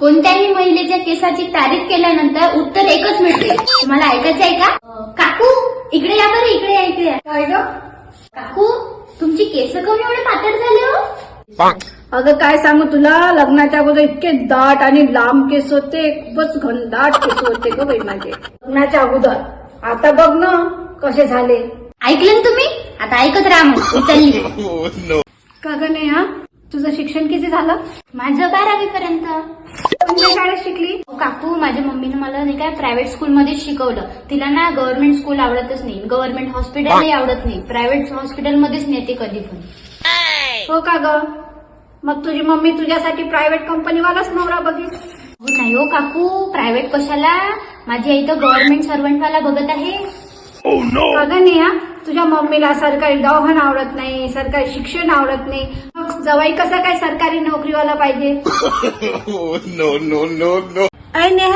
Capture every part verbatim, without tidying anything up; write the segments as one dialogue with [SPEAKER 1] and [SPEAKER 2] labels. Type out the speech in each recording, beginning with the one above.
[SPEAKER 1] कोणत्याही महिलेच्या केसाची तारीफ केल्यानंतर उत्तर एकच मिळते. तुम्हाला ऐकायचं आहे का? अं, काकू इकडे या बरं, इकडे या, इकडे या.
[SPEAKER 2] काय ग?
[SPEAKER 1] काकू तुमची केस कमी एवढे पातळ झाले हो?
[SPEAKER 2] अगं काय सांगू तुला, लग्नाच्या अगोदर इतके दाट आणि लांब केस होते, खूपच घनदाट केस होते ग बाई माझे लग्नाच्या अगोदर. आता बघ ना कसे झाले.
[SPEAKER 1] ऐकलं ना तुम्ही? आता ऐकत राहा मग. उचलली
[SPEAKER 2] का ग नेहा, तुझं शिक्षण किती झालं?
[SPEAKER 1] माझं बारावी पर्यंत.
[SPEAKER 2] कोणत्या शाळेत शिकली?
[SPEAKER 1] काकू माझ्या मम्मीने मला नाही काय प्रायव्हेट स्कूलमध्येच शिकवलं. तिला ना गव्हर्नमेंट स्कूल आवडतच नाही, गव्हर्नमेंट हॉस्पिटलही आवडत नाही, प्रायव्हेट हॉस्पिटलमध्येच नेते कधी पण.
[SPEAKER 2] हो का ग? मग तुझी मम्मी तुझ्यासाठी प्रायव्हेट कंपनीवालाच नवरा बघील.
[SPEAKER 1] हो नाही हो काकू, प्रायव्हेट कशाला, माझी आई तर गव्हर्नमेंट सर्वंटवाला बघत आहे.
[SPEAKER 2] का ग नेहा, तुझ्या मम्मीला सरकारी दवाखाना आवडत नाही, सरकारी शिक्षण आवडत नाही, मग जवाई कसा काय सरकारी नोकरीवाला पाहिजे?
[SPEAKER 3] no, no, no, no.
[SPEAKER 2] अय नेहा,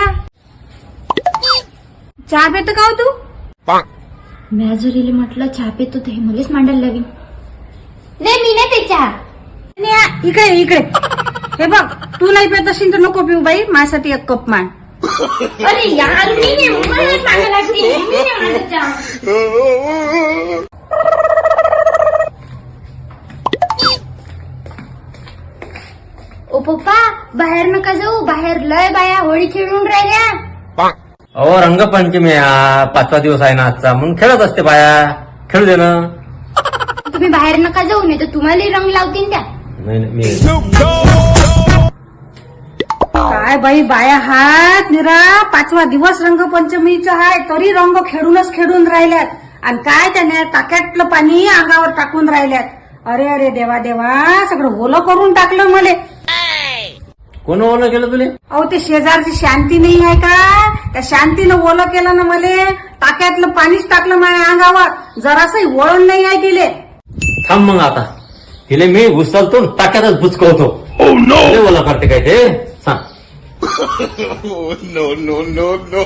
[SPEAKER 2] चहा पितो का हो तू?
[SPEAKER 1] मॅजुरीला म्हटलं चहा पितो ते मलाच मांडायला लावी. नाही मी नाही ते चहा.
[SPEAKER 2] नेहा इकडे ये, इकडे. हे बघ, तू नाही पित असेल तर नको पिऊ बाई, माझ्यासाठी एक कप मान.
[SPEAKER 1] अरे यार मी नाही, मलाच मांडायला लागते, मी नाही मांडत चहा. ओ पप्पा बाहेर नका जाऊ, बाहेर लय बाया होळी खेळून राहिल्या.
[SPEAKER 4] अहो रंगपंचमी आहे, पाचवा दिवस आहे ना आजचा, म्हणून खेळत असते बाया. खेळू दे ना.
[SPEAKER 1] तुम्ही बाहेर नका जाऊ, नाही तर तुम्हालाही रंग लावतील त्या.
[SPEAKER 4] नाही नाही, मी
[SPEAKER 2] काय बाई बाया हात निरा पाचवा दिवस रंगपंचमीचा आहे तरी रंग खेळूनच खेळून राहिल्यात. आणि काय त्याने टाक्यातलं पाणी अंगावर टाकून राहिल्यात. अरे अरे देवा देवा, सगळं ओलं करून टाकलं मले.
[SPEAKER 4] कोण ओलं केलं तुले?
[SPEAKER 2] अहो ते शेजारची शांती नाही आहे का, त्या शांतीनं ओलं केलं ना मले. टाक्यातलं पाणीच टाकलं माझ्या अंगावर, जरासही वळण नाही आहे तिले.
[SPEAKER 4] थांब मग आता, तिले मी उचलतो टाक्यातच बुचकवतो. लय ओला करते काय ते सांग.
[SPEAKER 3] no, no, no, no.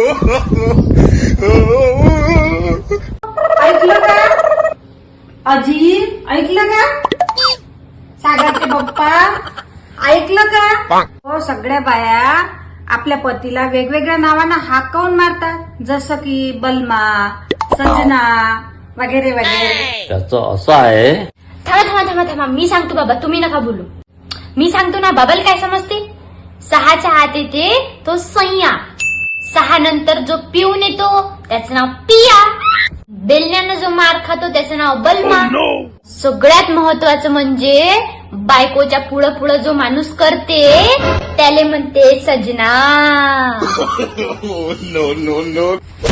[SPEAKER 2] ऐकलं का अजी? ऐकलं का सागरचे पप्पा? ऐकलं का? हो, सगळ्या बाया आपल्या पतीला वेगवेगळ्या नावानं हाक काऊन मारतात, जसं की बलमा, सजना वगैरे वगैरे.
[SPEAKER 4] त्याचं असं आहे.
[SPEAKER 1] थांबा थांबा थांबा थांबा, मी सांगतो बाबा, तुम्ही नका बोलू. मी सांगतो ना. बाबाला काय समजते? सहाच्या हात येते तो सय्या, सहा नंतर जो पिऊन येतो त्याचं नाव पिया, बेलण्यानं जो मार खातो त्याचं नाव बलमा. सगळ्यात महत्वाचं म्हणजे बायकोच्या पुढं पुढं जो माणूस करते त्याले म्हणते सजना.
[SPEAKER 3] no, no, no.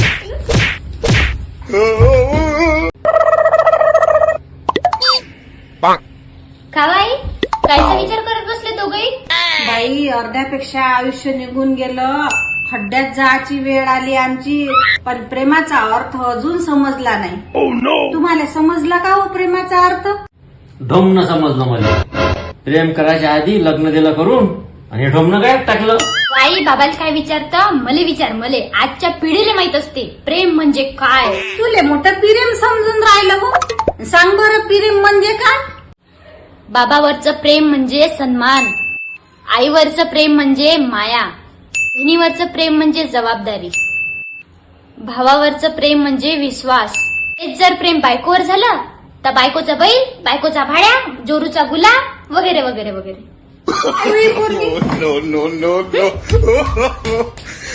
[SPEAKER 1] कावाई कायचा विचार करत बसले दोघही?
[SPEAKER 2] बाई अर्ध्यापेक्षा आयुष्य निघून गेलं, खड्ड्यात जायची वेळ आली आमची, पण प्रेमाचा अर्थ अजून समजला नाही. तुम्हाला समजला का हो प्रेमाचा अर्थ?
[SPEAKER 4] ढोमनं समजलं मला. प्रेम करायच्या आधी लग्न दिलं करून आणि ढोमनं काय टाकलं.
[SPEAKER 1] आई बाबाला काय विचारतं? मले विचार, मले आजच्या पिढीला माहित असते प्रेम म्हणजे काय.
[SPEAKER 2] तुले मोठं प्रेम समजून राहिलं हो. सांग बरं प्रेम म्हणजे काय?
[SPEAKER 1] बाबावरचं प्रेम म्हणजे सन्मान, आईवरचं प्रेम म्हणजे माया, बहिणीवरचं प्रेम म्हणजे जबाबदारी, भावावरचं प्रेम म्हणजे विश्वास. हेच जर प्रेम बायकोवर झालं तर बायकोचा बैल, बायकोचा भाड्या, जोरूचा गुलाब वगैरे वगैरे वगैरे.
[SPEAKER 3] no, no, no, no, no.